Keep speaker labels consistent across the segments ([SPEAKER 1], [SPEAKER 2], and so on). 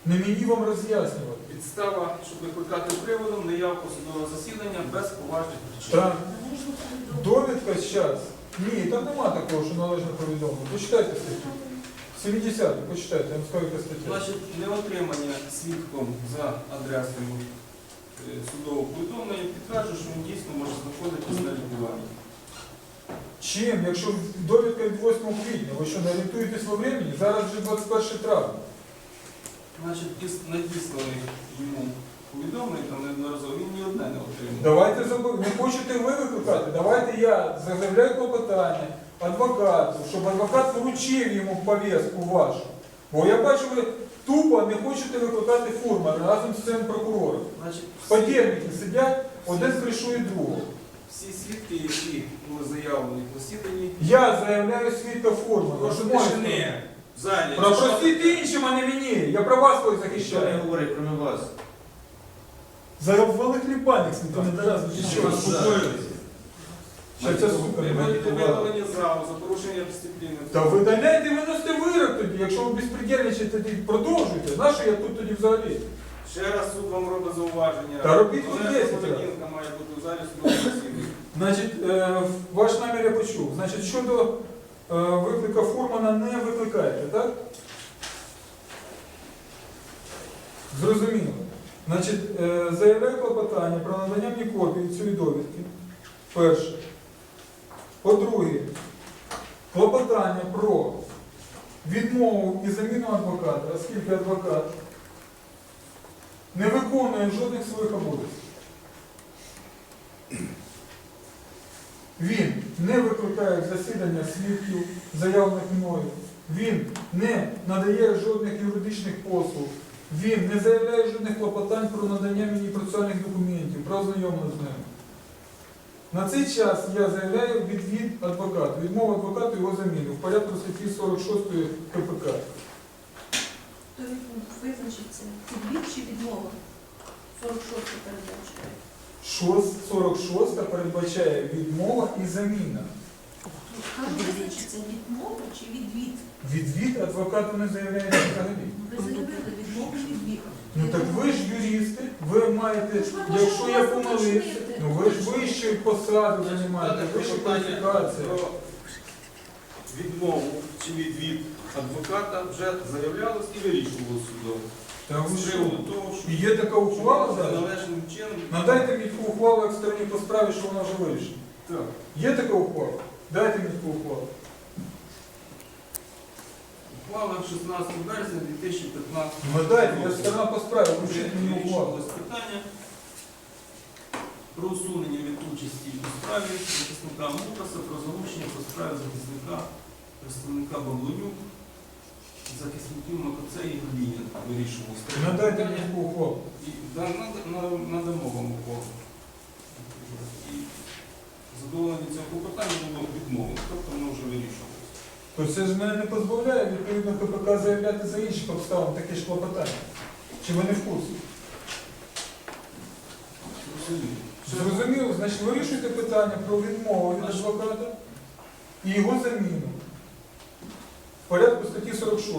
[SPEAKER 1] Не мені вам роз'яснювати.
[SPEAKER 2] Підстава, щоб викликати приводом неявку судового засідання без поважних причин.
[SPEAKER 1] Так. Довідка зараз. Ні, там нема такого, що належно повідомлено. Почитайте статтю. 70-ю, почитайте, я вам скажу, яка стаття.
[SPEAKER 2] Значить, неотримання свідком за адресою судового повідомлення підтверджує, що він дійсно може знаходитись на лікуванні.
[SPEAKER 1] Чим? Якщо довідка від 8 квітня, ви що, не орієнтуєтесь во времени? Зараз вже 21 травня.
[SPEAKER 2] Значить, надісланий йому повідомлення, там неодноразово, він ні одне не отримав.
[SPEAKER 1] Давайте, не хочете ви викликати, давайте я заявляю клопотання адвокату, щоб адвокат вручив йому повістку вашу. Бо я бачу, ви тупо не хочете викликати Фурмана разом з цим прокурором.
[SPEAKER 2] Значить,
[SPEAKER 1] Подільники сидять, один кришує другого.
[SPEAKER 2] всі свідки, які були заявлені в засіданні,
[SPEAKER 1] Я заявляю свідка Фурмана.
[SPEAKER 2] прошу
[SPEAKER 1] Можете?
[SPEAKER 2] тишини в залі.
[SPEAKER 1] Пропросіть іншим, а не мені. Я про вас коли
[SPEAKER 3] Ніхто не
[SPEAKER 1] захищаю.
[SPEAKER 3] говорить, крім вас.
[SPEAKER 1] Завали хлібальник, ніхто не доразу.
[SPEAKER 2] Що,
[SPEAKER 3] Успокоїлися.
[SPEAKER 1] Що ця сука не має
[SPEAKER 2] Маєте
[SPEAKER 1] поваги.
[SPEAKER 2] видалення залу за порушення дисципліни.
[SPEAKER 1] Та видаляйте і виносите вирок тоді, якщо ви безпредельничаєте, тоді продовжуйте. Нащо я тут тоді взагалі?
[SPEAKER 2] Ще раз суд вам робить зауваження.
[SPEAKER 1] Та робіть хоч
[SPEAKER 2] Належна
[SPEAKER 1] 10 разів.
[SPEAKER 2] поведінка має бути в залі судового засідання.
[SPEAKER 1] Значить, ваш намір я почув. Значить, щодо виклика Фурмана не викликаєте, так? Зрозуміло. Значить, заявляю клопотання про надання мені копії цієї довідки. Перше. По-друге, клопотання про відмову і заміну адвоката, оскільки адвокат не виконує жодних своїх обов'язків. Він не викликає засідання свідків, заявлених мною. Він не надає жодних юридичних послуг. Він не заявляє жодних клопотань про надання мені процесуальних документів, про ознайомлення з ними. На цей час я заявляю відвід адвокату, відмову адвокату його заміну в порядку статті 46 КПК.
[SPEAKER 4] То визначиться відвід чи відмова? 46 передбачає.
[SPEAKER 1] 46 передбачає відмова і заміна.
[SPEAKER 4] Там визначиться відмова чи відвід?
[SPEAKER 1] Відвід адвокату не заявляє взагалі.
[SPEAKER 4] Ви заявили відмову і відвід.
[SPEAKER 1] Ну так ви ж юристи, ви маєте, якщо я помилився, ну ви ж вищу посаду займаєте, вищу кваліфікацію.
[SPEAKER 2] Про відмову чи відвід адвоката вже заявлялось і вирішувалось судом.
[SPEAKER 1] Та ви
[SPEAKER 2] З
[SPEAKER 1] що?
[SPEAKER 2] приводу того, що
[SPEAKER 1] І є така ухвала зараз?
[SPEAKER 2] належним чином.
[SPEAKER 1] Надайте мені таку ухвалу як стороні по справі, що вона вже вирішена.
[SPEAKER 2] Так.
[SPEAKER 1] Є така ухвала? Дайте мені таку ухвалу.
[SPEAKER 2] Ухвала 16 березня 2015
[SPEAKER 1] Надайте, я сторона по справі, вручіть мені ухвалу.
[SPEAKER 2] вирішувалось питання про усунення від участі у справі захисника Мукаса, про залучення по справі захисника, представника Баблонюк, захисників Макоцей і Глінін вирішувалось.
[SPEAKER 1] Надайте мені таку ухвалу.
[SPEAKER 2] І надамо вам ухвалу. І задоволення цього клопотання було відмовлено, тобто воно вже вирішувалось.
[SPEAKER 1] То це ж мене не позбавляє відповідно КПК заявляти за інших обставин таке ж клопотання. Чи ви не в курсі? Зрозуміло, значить вирішуйте питання про відмову від адвоката і його заміну в порядку статті 46.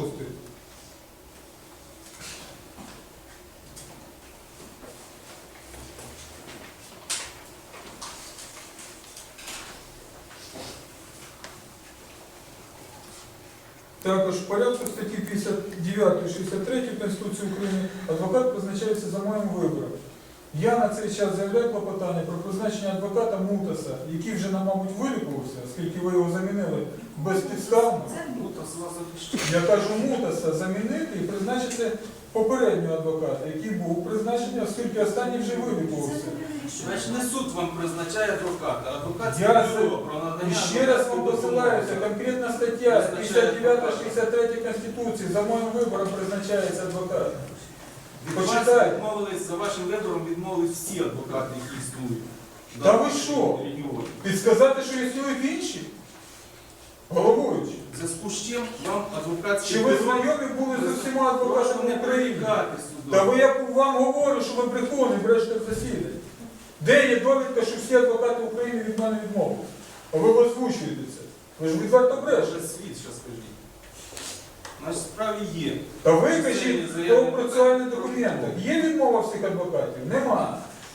[SPEAKER 1] Також в порядку статті 59-63 Конституції України адвокат призначається за моїм вибором. Я на цей час заявляю клопотання про призначення адвоката Мутаса, який вже, мабуть, вилікувався, оскільки ви його замінили безпідставно.
[SPEAKER 4] Це
[SPEAKER 2] Мутас вас захищає.
[SPEAKER 1] Я кажу Мутаса замінити і призначити попереднього адвоката, який був призначений, оскільки останній вже вилікувався.
[SPEAKER 2] Значить, не суд вам призначає адвоката, а адвокатське
[SPEAKER 1] Я
[SPEAKER 2] бюро про надання.
[SPEAKER 1] І ще раз вам посилаюся, конкретна стаття 59-63 Конституції, за моїм вибором призначається адвокат.
[SPEAKER 2] Від вас
[SPEAKER 1] Почитайте.
[SPEAKER 2] відмовились, за вашим вибором відмовились всі адвокати, які існують.
[SPEAKER 1] Та ви що?
[SPEAKER 2] Регіоні.
[SPEAKER 1] Підсказати, що існують інші? Головуючи.
[SPEAKER 2] В зв'язку з чим вам адвокатське
[SPEAKER 1] Чи ви знайомі були з усіма
[SPEAKER 2] Прошу
[SPEAKER 1] адвокатами
[SPEAKER 2] не
[SPEAKER 1] України?
[SPEAKER 2] прирікати суду.
[SPEAKER 1] Та ви я вам говорю, що ви брехуни, брешете в засіданні. Де є довідка, що всі адвокати України від мене відмовились? А ви озвучуєте це. Ви ж відверто брешете.
[SPEAKER 2] Вже світ, що скажіть. Значить, в справі є.
[SPEAKER 1] Та ви кажіть, хто в процесуальних документах. Є відмова всіх адвокатів? Нема.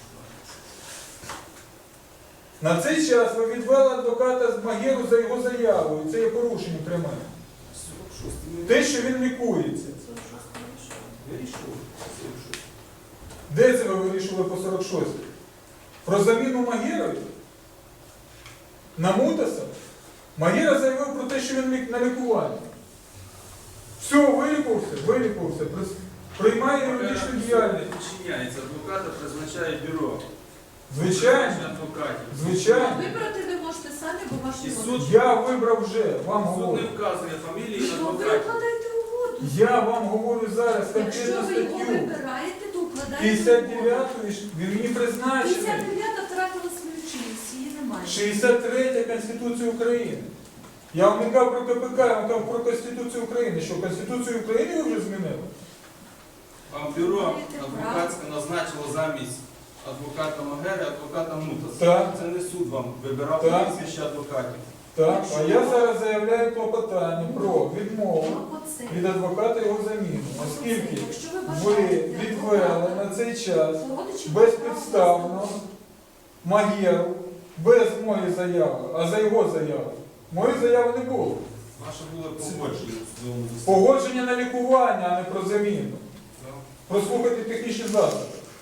[SPEAKER 1] На цей час ви відвели адвоката з Магеру за його заявою. Це є порушення пряме.
[SPEAKER 2] 46
[SPEAKER 1] Те, що він лікується.
[SPEAKER 2] вирішував.
[SPEAKER 1] Де це ви вирішили по 46? Про заміну Магєрові? На Мутаса? Магєра заявив про те, що він на лікуванні. Все, вилікувався. Приймає юридичну діяльність.
[SPEAKER 2] Підчиняється адвоката, призначає бюро.
[SPEAKER 1] Звичайно.
[SPEAKER 2] Адвокатів.
[SPEAKER 1] Звичайно.
[SPEAKER 4] Вибрати ви можете самі, бо ваші
[SPEAKER 2] І
[SPEAKER 4] вони.
[SPEAKER 2] суд-
[SPEAKER 1] Я вибрав вже, вам
[SPEAKER 2] Суд
[SPEAKER 1] говорю.
[SPEAKER 2] не вказує фамілії
[SPEAKER 4] Ну, ви
[SPEAKER 2] адвокатів.
[SPEAKER 4] укладаєте угоду.
[SPEAKER 1] Я вам говорю зараз
[SPEAKER 4] Якщо
[SPEAKER 1] конкретну
[SPEAKER 4] ви його
[SPEAKER 1] статтю.
[SPEAKER 4] вибираєте, то укладаєте угоду.
[SPEAKER 1] 59-ї він мені призначений.
[SPEAKER 4] 59 втратила свою чинність, її немає.
[SPEAKER 1] 63 Конституції України. Я вам не кажу про КПК, я вам кажу про Конституцію України. Що, Конституцію України ви вже змінили?
[SPEAKER 2] Вам бюро
[SPEAKER 4] Маєте
[SPEAKER 2] адвокатське назначило замість адвоката Магери, адвоката Мутаса.
[SPEAKER 1] Так.
[SPEAKER 2] Це не суд вам вибирав
[SPEAKER 1] Так.
[SPEAKER 2] прізвище адвокатів.
[SPEAKER 1] Так, а я зараз заявляю клопотання про відмову
[SPEAKER 4] Ну, оце.
[SPEAKER 1] від адвоката його заміну, оскільки
[SPEAKER 4] Якщо
[SPEAKER 1] ви
[SPEAKER 4] бажаєте
[SPEAKER 1] відвели
[SPEAKER 4] адвоката,
[SPEAKER 1] на цей час
[SPEAKER 4] то родичі
[SPEAKER 1] безпідставно
[SPEAKER 4] мають
[SPEAKER 1] Магєру, без моєї заяви, а за його заяву. Моєї заяви не було.
[SPEAKER 2] Ваше було погодження в судовому засіданні.
[SPEAKER 1] Погодження на лікування, а не про заміну.
[SPEAKER 2] Так.
[SPEAKER 1] Прослухайте технічні засоби.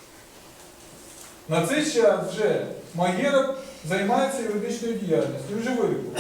[SPEAKER 1] На цей час вже Магєра займається юридичною діяльністю. Він вже вилікував.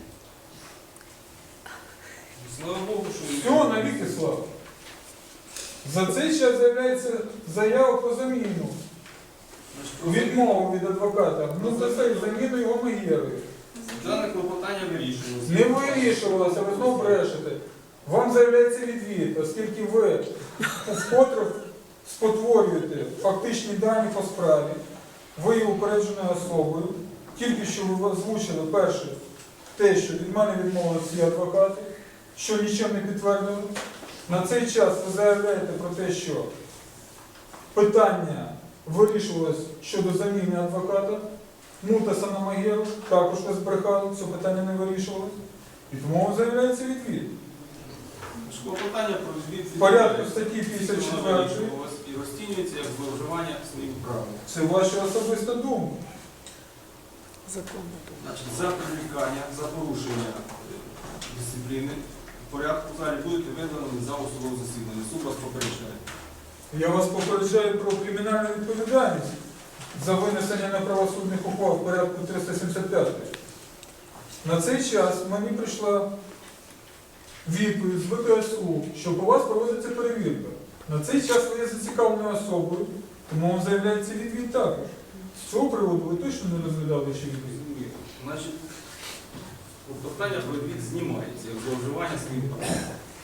[SPEAKER 2] Слава Богу, що
[SPEAKER 1] Все, навіки слава. За цей час з'являється заява про заміну. Відмову від адвоката. Ну, за це заміну його Магєрою.
[SPEAKER 2] Дане клопотання вирішувалося.
[SPEAKER 1] Не вирішувалося, ви знову брешете. Вам заявляється відвід, оскільки ви вкотре спотворюєте фактичні дані по справі, ви є упередженою особою, тільки що ви озвучили перше те, що від мене відмовили всі адвокати, що нічим не підтвердили. На цей час ви заявляєте про те, що питання вирішувалось щодо заміни адвоката, Мутаса на Магеру, також ви збрехали, це питання не вирішувалось. І тому заявляється відвід.
[SPEAKER 2] Клопотання про відвід
[SPEAKER 1] В порядку статті 54
[SPEAKER 2] вирішувалось і розцінюється як зловживання своїм правом.
[SPEAKER 1] це ваша особиста думка.
[SPEAKER 2] Значить, за привлікання, за порушення дисципліни в порядку в залі будете видані за судового засідання. Суд вас попереджає.
[SPEAKER 1] Я вас попереджаю про кримінальну відповідальність за винесення неправосудних ухвал в порядку 375. На цей час мені прийшла відповідь з ВКСУ, що по вас проводиться перевірка. На цей час ви є зацікавленою особою, тому вам заявляється відвід також. З цього приводу ви точно не розглядали ще відвід?
[SPEAKER 2] Ні. Значить, клопотання про відвід знімається як зловживання своїм правом.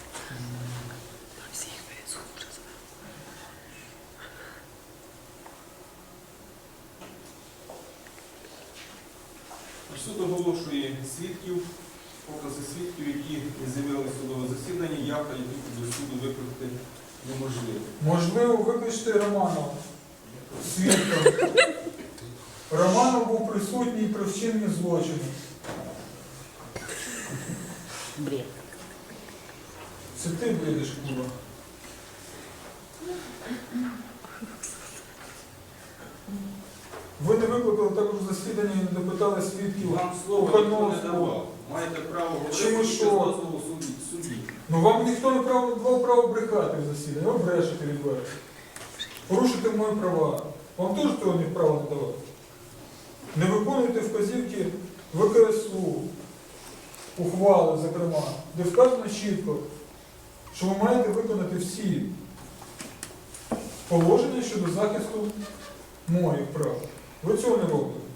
[SPEAKER 2] Суд оголошує свідків, покази свідків, які не з'явилися в судове засідання, явка, які до суду викликати неможливо.
[SPEAKER 1] Можливо, викличте Романова свідком. Романов був присутній при вчиненні злочину.
[SPEAKER 3] Бред.
[SPEAKER 1] Це ти бредиш, Куба. Ви не викликали також засідання і не допитали свідків.
[SPEAKER 2] Вам слово ніхто не давав. Маєте право
[SPEAKER 1] Чому
[SPEAKER 2] говорити без
[SPEAKER 1] що?
[SPEAKER 2] дозволу судді.
[SPEAKER 1] Ну вам ніхто не давав право брехати в засіданні, ви брешете відверто. Порушуєте мої права. Вам теж того не права не давати. Не виконуйте вказівки ВКСУ, ухвали, зокрема, де вказано чітко, що ви маєте виконати всі положення щодо захисту моїх прав. Ви цього не робите.